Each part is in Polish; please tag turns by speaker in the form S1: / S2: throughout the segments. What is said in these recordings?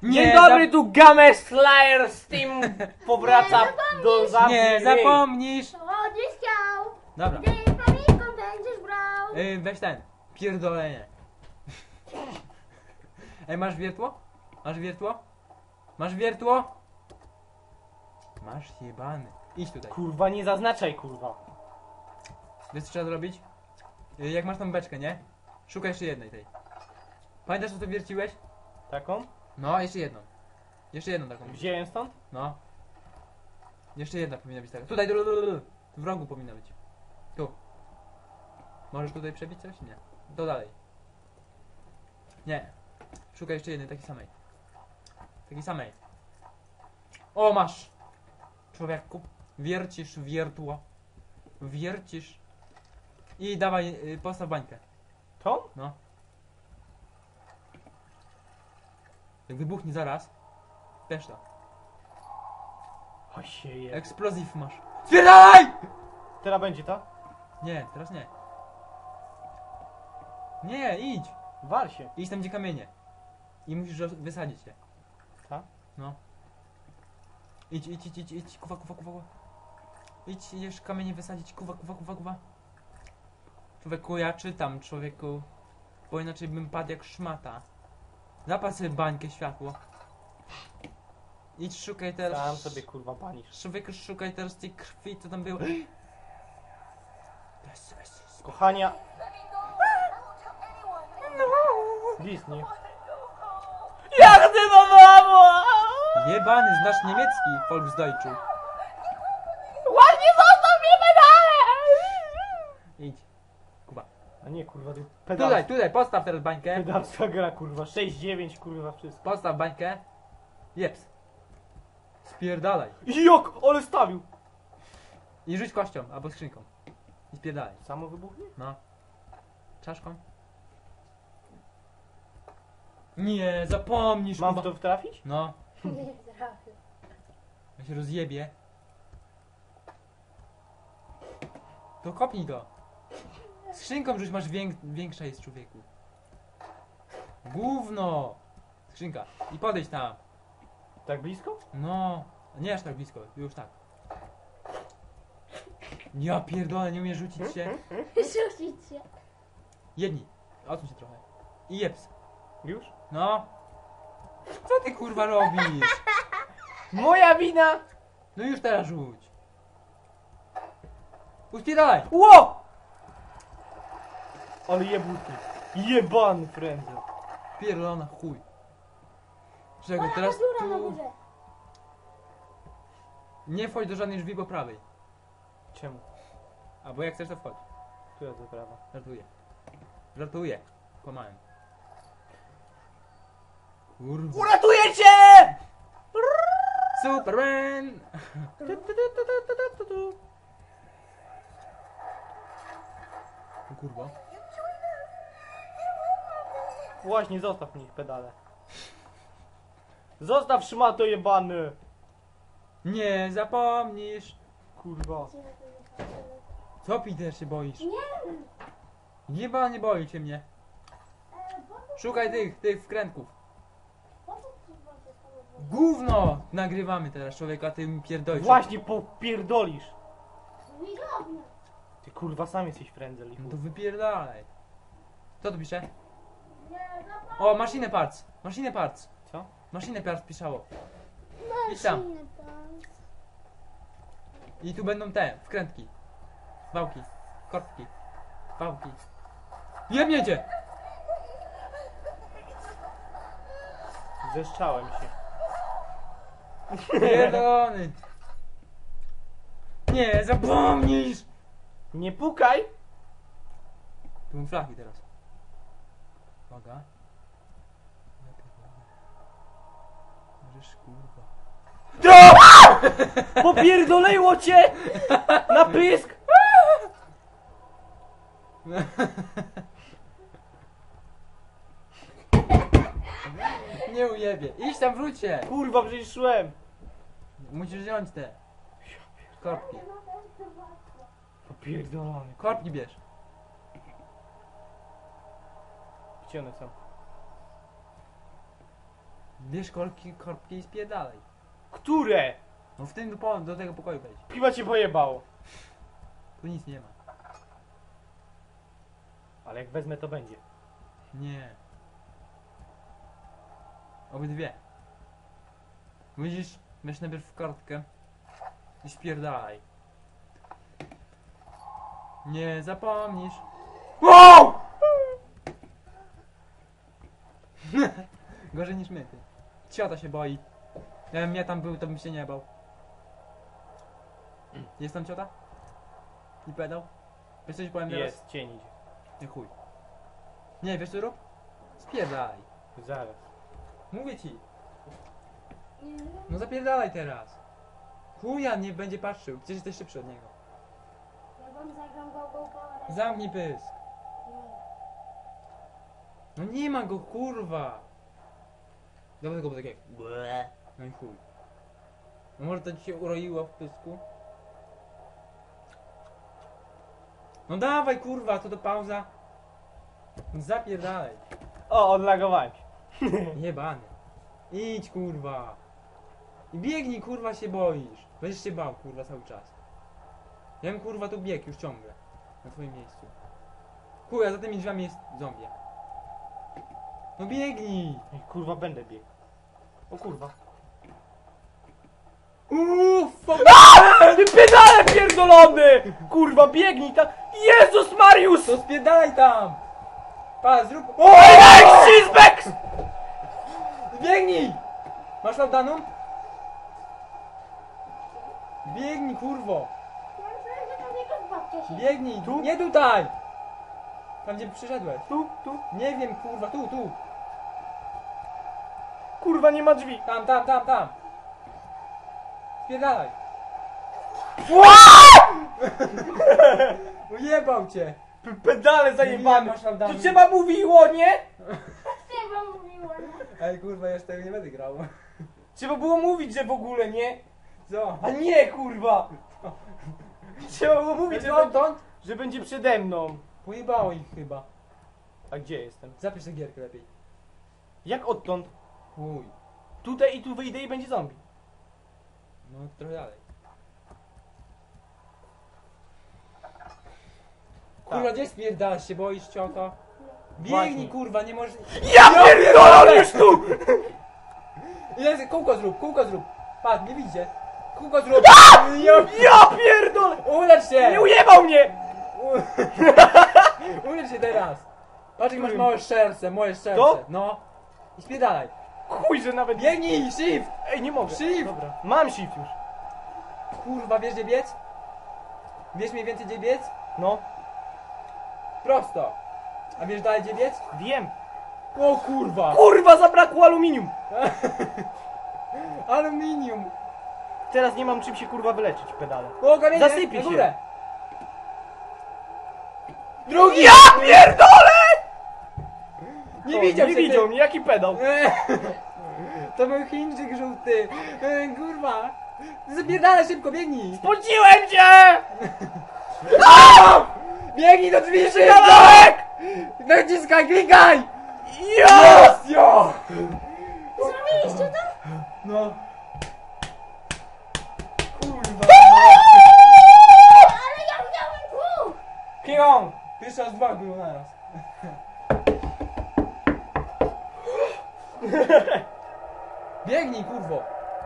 S1: Dzień dobry, tu Game Slayer z Team powraca do zabawy.
S2: Nie zapomnisz!
S3: O, gdzieś chciał.
S2: Dobra,
S3: Gdy pamiętką będziesz brał.
S2: weź ten, pierdolenie. Ej, masz wiertło? Masz wiertło? Masz wiertło? Masz jebany. Idź tutaj.
S1: Kurwa, nie zaznaczaj, kurwa.
S2: Wiesz co trzeba zrobić? Jak masz tam beczkę, nie? Szukaj jeszcze jednej tej. Pamiętasz co ty wierciłeś?
S1: Taką?
S2: No, jeszcze jedną. Jeszcze jedną taką.
S1: Wziąłem stąd?
S2: No. Jeszcze jedna powinna być taka. Tutaj, w rogu powinna być. Tu. Możesz tutaj przebić coś? Nie. To dalej. Nie. Szukaj jeszcze jednej, takiej samej. Takiej samej. O, masz! Człowieku. Wiercisz wiertło. Wiercisz. I dawaj, postaw bańkę.
S1: Tą?
S2: No. Jak wybuchnie zaraz. Wiesz to.
S1: O się je.
S2: Eksplozyw masz. Spierdalaj!
S1: Teraz będzie to?
S2: Nie, teraz nie. Nie, idź.
S1: Wal się.
S2: Idź tam gdzie kamienie. I musisz wysadzić je.
S1: Tak?
S2: No. Idź. Kuwa. Idź, idziesz kamienie wysadzić. Kuwa. Człowieku, ja czytam, człowieku. Bo inaczej bym padł jak szmata. Zapal sobie bańkę, światło. Idź, szukaj teraz.
S1: Sam sobie kurwa panisz.
S2: Człowieku, szukaj teraz tej krwi, co tam było.
S1: Kochania. Disney. Jak ty to mamo?
S2: Jebany, znasz niemiecki, Volksdeutschu.
S1: Ładnie zostaw mnie pedale!
S2: Idź. Kuba.
S1: A nie kurwa, ty pedał.
S2: Tutaj, postaw teraz bańkę.
S1: Pedalska gra kurwa, 6-9 kurwa wszystko.
S2: Postaw bańkę. Jeps. Spierdalaj.
S1: Jak? Ale stawił!
S2: I rzuć kością, albo skrzynką. I spierdalaj.
S1: Samo wybuchnie?
S2: No. Czaszką. Nie, zapomnisz.
S1: Mam w
S2: Kuba.
S1: to wtrafić?
S2: No.
S3: Nie trafił.
S2: Ja się rozjebie. To kopnij go. Skrzynką rzuć, masz większa jest, człowieku. Gówno. Skrzynka. I podejdź tam.
S1: Tak blisko?
S2: No. Nie aż tak blisko, już tak. Ja pierdolę, nie umiem rzucić się.
S3: Rzucić się.
S2: Jedni. Odsuń się trochę. I jeps.
S1: Już?
S2: No. Co ty kurwa robisz?
S1: Moja wina!
S2: No już teraz rzuć. Uspierdalaj.
S1: Ło! Ale jebuty. Jebany frędzel.
S2: Pierdolona chuj. Czego
S3: Teraz
S2: teraz
S3: dziura na
S2: tu...
S3: górze.
S2: Nie wchodź do żadnej drzwi po prawej.
S1: Czemu?
S2: Albo jak chcesz to wchodź.
S1: Tu jest prawa.
S2: Żartuję. Kłamałem. Kurwa.
S1: Uratuję cię!
S2: Superman! O kurwa.
S1: Właśnie, zostaw mnie pedale. Zostaw szmato jebany!
S2: Nie zapomnisz.
S1: Kurwa.
S2: Co, Peter, się boisz?
S3: Nie.
S2: Jeba, nie boi się mnie. Szukaj tych wkrętków.
S3: Po co kurwa się samochód?
S2: Gówno! Nagrywamy teraz, człowieka, ty mi pierdolisz.
S1: Właśnie popierdolisz.
S3: Widownia.
S1: Ty kurwa sam jesteś frędzel i
S2: No
S1: chuj.
S2: to wypierdalaj. Co tu pisze?
S3: Nie, zapomnij.
S2: O, machine parts. Machine parts.
S1: Co?
S2: Machine parts pisało. Idź tam.
S3: Maszyny pan.
S2: I tu będą te, wkrętki. Wałki. Kortki. Wałki. Jebniecie!
S1: Zeszczałem się.
S2: Pierdolony. Nie, zapomnisz!
S1: Nie pukaj!
S2: Tu mam flaki teraz. Uwaga. Możesz kurwa.
S1: Popierdoliło cię! Na pysk!
S2: Nie ujebie. Idź tam, wróć się.
S1: Kurwa, przecież szłem!
S2: Musisz wziąć te. Korbki.
S1: Popierdolony.
S2: Korbki bierz.
S1: Gdzie one są?
S2: Bierz korbki i spierdalaj.
S1: Które?
S2: No w tym do tego pokoju wejdź.
S1: Chyba cię pojebało.
S2: Tu nic nie ma.
S1: Ale jak wezmę, to będzie.
S2: Nie. Obydwie. Widzisz, weź najpierw kartkę i spierdalaj. Nie zapomnisz.
S1: Wow!
S2: Gorzej niż my, ty. Ciota się boi. Jakbym ja tam był, to bym się nie bał. Jest tam ciota? I pedał? Wiesz coś powiem teraz?
S1: Jest, cień idzie.
S2: Nie chuj. Nie, wiesz co rób? Spierdalaj.
S1: Zaraz.
S2: Mówię ci.
S3: Nie,
S2: No zapierdalaj teraz. Chuja nie będzie patrzył, przecież jesteś szybszy od niego.
S3: ja wam zagram go power.
S2: Zamknij pysk.
S3: Nie.
S2: No nie ma go, kurwa. Dawaj go takie. No i chuj. No może to ci się uroiło w pysku? No dawaj kurwa, to pauza. Zapierdalaj.
S1: O, odlagowałem się.
S2: Jebany. Idź kurwa. I biegnij kurwa, się boisz. Będziesz się bał kurwa cały czas. Ja bym kurwa tu biegł już ciągle. Na twoim miejscu. Chuja, za tymi drzwiami jest zombie. No biegnij.
S1: Ej, kurwa, będę biegł. O kurwa.
S2: Uff,
S1: Ty pedale pierdolony! Kurwa, biegnij tam! Jezus Mariusz!
S2: to spierdalaj tam. Pa, zrób.
S1: O, Cheesebags!
S2: Biegnij! Masz laudanum? Biegnij, kurwo!
S3: Ja myślałem, że tam jakaś babcia się...
S2: Biegnij!
S1: Tu?
S2: Nie tutaj! Tam gdzie przyszedłeś.
S1: Tu.
S2: Nie wiem, kurwa, tu.
S1: Kurwa, nie ma drzwi.
S2: Tam. Spierdalaj. Ujebał cię!
S1: Pedale
S2: Nie
S1: zajebane.
S2: masz laudanum.
S1: To trzeba mówiło, nie?
S3: Ty wam mówiła, nie?
S2: Ej, kurwa, jeszcze tego nie będę grał.
S1: Trzeba było mówić, że w ogóle nie.
S2: Co?
S1: A nie, kurwa. Trzeba było mówić, że,
S2: Odtąd?
S1: że będzie przede mną.
S2: Pojebało ich chyba.
S1: A gdzie jestem?
S2: Zapisz tę gierkę lepiej.
S1: Jak odtąd?
S2: Chuj.
S1: Tutaj i tu wyjdę i będzie zombie.
S2: No, trochę dalej. Kurwa, gdzie spierdalasz się, boisz ciota? Biegnij,
S1: Właśnie.
S2: kurwa, nie możesz...
S1: Ja pierdolę już tu!
S2: Ile, kółko zrób! Patrz, nie widzicie. Kółko zrób!
S1: Ja pierdolę!
S2: Ulecz się!
S1: Nie ujebał mnie!
S2: Ulecz się teraz! Patrz, jak masz
S1: Którym?
S2: małe serce, moje serce.
S1: To?
S2: No. I spierdalaj.
S1: Chuj, że nawet...
S2: Biegnij, shift!
S1: Ej, nie mogę.
S2: Shift!
S1: Dobra. Mam shift już.
S2: Kurwa, wiesz gdzie biec? Wiesz mniej więcej gdzie biec?
S1: No,
S2: Prosto. A wiesz dalej gdzie biec?
S1: wiem.
S2: O kurwa!
S1: Kurwa, zabrakło aluminium.
S2: Aluminium!
S1: Teraz nie mam czym się kurwa wyleczyć, pedale.
S2: O, kamienie!
S1: Zasypie
S2: na
S1: się.
S2: górę. Drugi!
S1: Ja pierdolę!
S2: Nie
S1: O,
S2: widział
S1: nie
S2: się,
S1: widział
S2: ty.
S1: mnie, jaki pedał.
S2: To był Chińczyk żółty. Kurwa. Zapierdalaj szybko, biegnij.
S1: Spociłem cię!
S2: Biegnij do drzwi szybko.
S1: Pedałek!
S2: Naciskaj, klikaj.
S1: Ja!
S2: Jo!
S3: Zrobiliście to?
S2: No. Kurwa.
S3: Ale ja widziałem dwóch!
S1: King on!
S2: Pierwszy raz dwa było naraz. Biegnij, kurwo.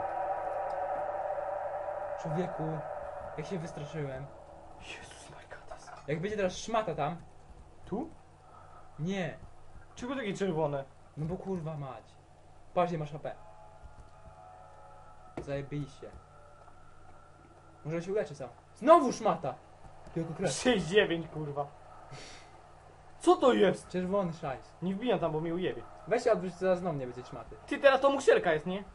S2: Człowieku, jak się wystraszyłem.
S1: Jezus Markatas.
S2: Jak będzie teraz szmata tam.
S1: Tu?
S2: Nie.
S1: Czego takie czerwone?
S2: No bo kurwa mać. Patrz, nie masz HP. Zajebiście. Może się uleczy sam. Znowu szmata! Tylko krew.
S1: 6-9 kurwa. Co to jest?
S2: Czerwony szajs.
S1: Nie wbijam tam, bo mi ujebie.
S2: Weź się odwróć, zaraz znowu nie będzie szmaty.
S1: Ty, teraz to muszelka jest, nie?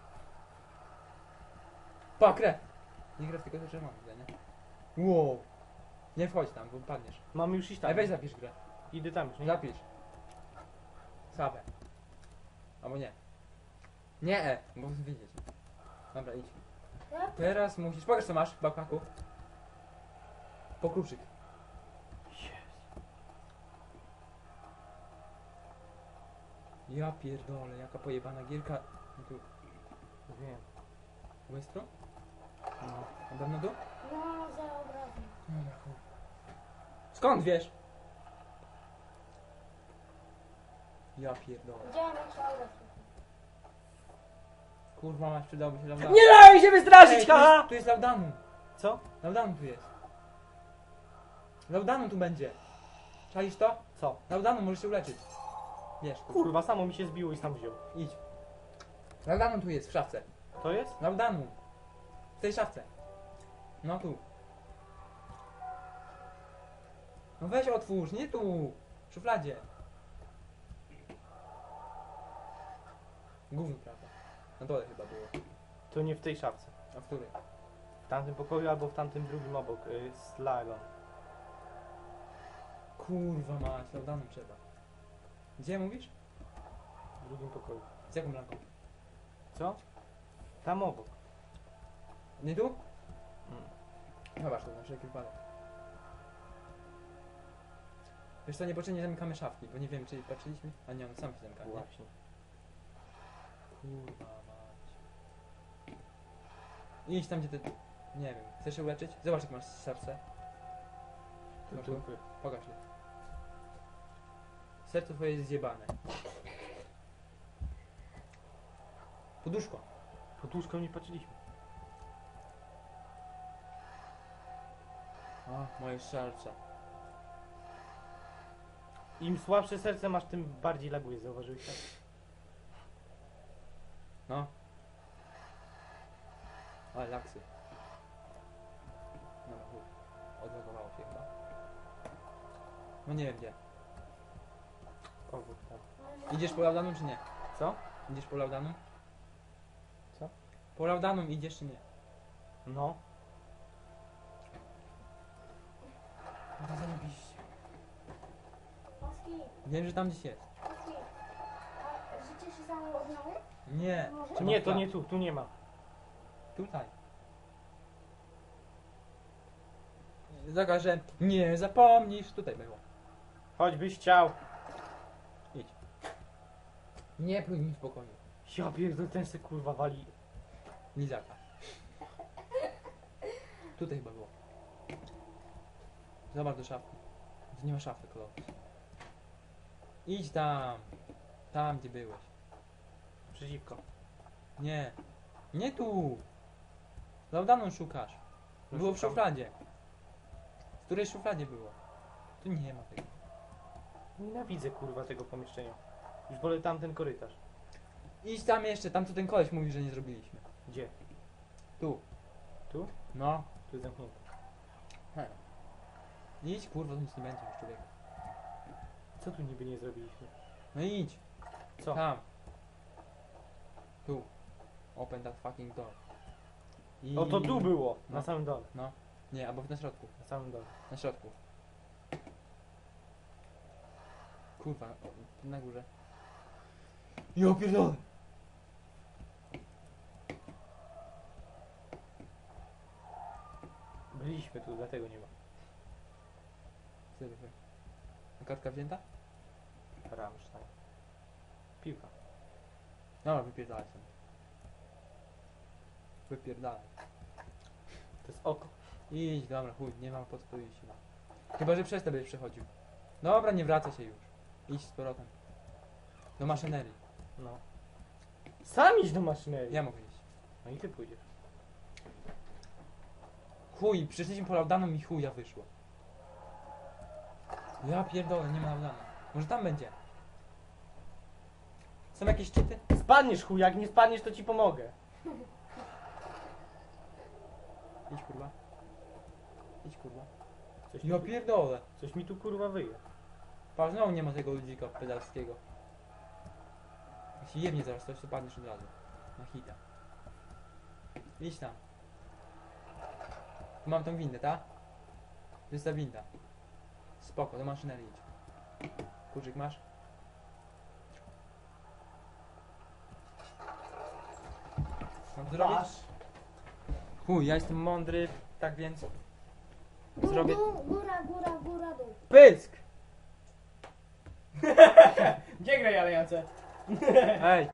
S2: Pa, krew! Nie krew, tylko to czerwony, nie? Wow. Nie wchodź tam, bo padniesz.
S1: Mam już iść tam.
S2: Ej, weź zapisz grę.
S1: Idę tam już, nie?
S2: Zapisz. Sabę. Albo nie. Nie, bo chcę wiedzieć. Dobra, idź.
S3: Ja
S2: Teraz musisz... Pokaż co masz w backpacku. Pokruczyk. Ja pierdolę, jaka pojebana gierka. No tu,
S1: Wiem.
S2: Westro?
S1: No.
S2: A dawno tu?
S3: No, za obrazem.
S2: Dobra, chuj. Skąd wiesz? Ja pierdolę.
S3: Widziałem jak się obraz.
S2: Kurwa mać, przydałby się Laudanu.
S1: Nie daj mi się
S2: Ej,
S1: wystraszyć, haha!
S2: tu jest Laudanu.
S1: Co?
S2: Laudanu tu jest. Laudanu tu będzie. Czaisz to?
S1: Co?
S2: Laudanu możesz się uleczyć. Wiesz,
S1: Kurwa, samo mi się zbiło i sam wziął.
S2: idź. Laudanu tu jest, w szafce.
S1: To jest?
S2: Laudanu. W tej szafce. No tu. No weź otwórz, nie tu. W szufladzie. Gówno, prawda? Na dole chyba było.
S1: To nie w tej szafce.
S2: A w której?
S1: W tamtym pokoju albo w tamtym drugim obok. Z Lagon.
S2: Kurwa mać, Laudanu trzeba. Gdzie mówisz?
S1: W drugim pokoju.
S2: Z jaką lampą?
S1: Co? Tam obok.
S2: Nie tu?
S1: Mm.
S2: Zobacz to na wszelki wypadek. Wiesz co, niepotrzebnie zamykamy szafki, bo nie wiem czy patrzyliśmy. A nie, on sam się zamyka, nie?
S1: Właśnie.
S2: Kurwa mać. Idź tam gdzie ty... Nie wiem, chcesz się uleczyć? Zobacz jak masz serce.
S1: Tu,
S2: Masz
S1: tu.
S2: tu? Pokaż je. Serce twoje jest zjebane. Poduszko.
S1: Pod łóżką nie patrzyliśmy.
S2: A, moje serce.
S1: Im słabsze serce masz, tym bardziej laguje, zauważyłeś tak?
S2: No. Ale laksy. Dobra, chuj. Odlogowało się chyba. No nie wiem gdzie.
S1: Obok tam.
S2: Idziesz po Laudanu czy nie?
S1: Co?
S2: Idziesz po Laudanu?
S1: Co?
S2: Po Laudanu idziesz czy nie?
S1: No.
S2: No to zajebiście.
S3: Oski,
S2: Wiem, że tam gdzieś jest.
S3: Oski. A życie się samo odnowi?
S2: Nie.
S3: Może?
S2: Trzeba
S1: Nie, to
S2: wkładać.
S1: nie tu, tu nie ma.
S2: Tutaj. Taka, że nie zapomnisz. Tutaj było.
S1: Choćbyś chciał.
S2: Idź. Nie pluj mi w pokoju.
S1: Ja pierdol, ten se kurwa wali.
S2: Lizaka. Tutaj chyba było. Zobacz do szafki. Tu nie ma szafy, kolor. Idź tam. Tam, gdzie byłeś.
S1: Przeciwko.
S2: Nie. Nie tu. Laudanu szukasz. Było w
S1: Szukam.
S2: szufladzie. W której szufladzie było? Tu nie ma tego.
S1: Nienawidzę kurwa tego pomieszczenia. Już wolę tamten korytarz.
S2: Idź tam jeszcze, tam co ten koleś mówi, że nie zrobiliśmy.
S1: Gdzie?
S2: Tu.
S1: Tu?
S2: No.
S1: Tu jest zamknięte.
S2: Idź, kurwa, to nic nie będzie już, człowieku.
S1: Co tu niby nie zrobiliśmy?
S2: No idź.
S1: Co?
S2: Tam. Tu. Open that fucking door. I...
S1: O, to tu było.
S2: No.
S1: Na samym dole.
S2: Nie, albo na środku.
S1: Na samym dole.
S2: Na środku. Kurwa, o, na górze. Ja pierdolę!
S1: Byliśmy tu, dlatego nie ma.
S2: Serio, a kartka wzięta?
S1: Rammstein. Piłka.
S2: Dobra, wypierdalaj sobie. Wypierdalaj.
S1: To jest oko.
S2: Idź, dobra, chuj, nie mam po co tu iść. No. Chyba, że przez to będziesz przechodził. Dobra, nie wracaj się już. Idź z powrotem. Do maszynerii.
S1: No. Sam idź do maszynerii.
S2: Ja mogę iść.
S1: No i ty pójdziesz.
S2: Chuj, przyszliśmy po Laudanu i chuja wyszło. Ja pierdolę, nie ma Laudana. Może tam będzie. Są jakieś czyty?
S1: Spadniesz chuj, jak nie spadniesz to ci pomogę.
S2: Idź kurwa. Idź kurwa.
S1: Coś
S2: Ja
S1: mi,
S2: pierdolę.
S1: coś mi tu kurwa wyje.
S2: Patrz, znowu nie ma tego ludzika pedalskiego. Jeśli jebnie zaraz coś, to padniesz od razu. Na hita. Idź tam. Tu mam tą windę, tak? To jest ta winda. Spoko, do maszynerii idź. Kurczyk masz? Mam to zrobić? Chuj, ja jestem mądry, tak więc... Zrobię...
S3: Góra, góra, góra, dół.
S2: Pysk!
S1: Gdzie graj Aliance?
S2: Ej!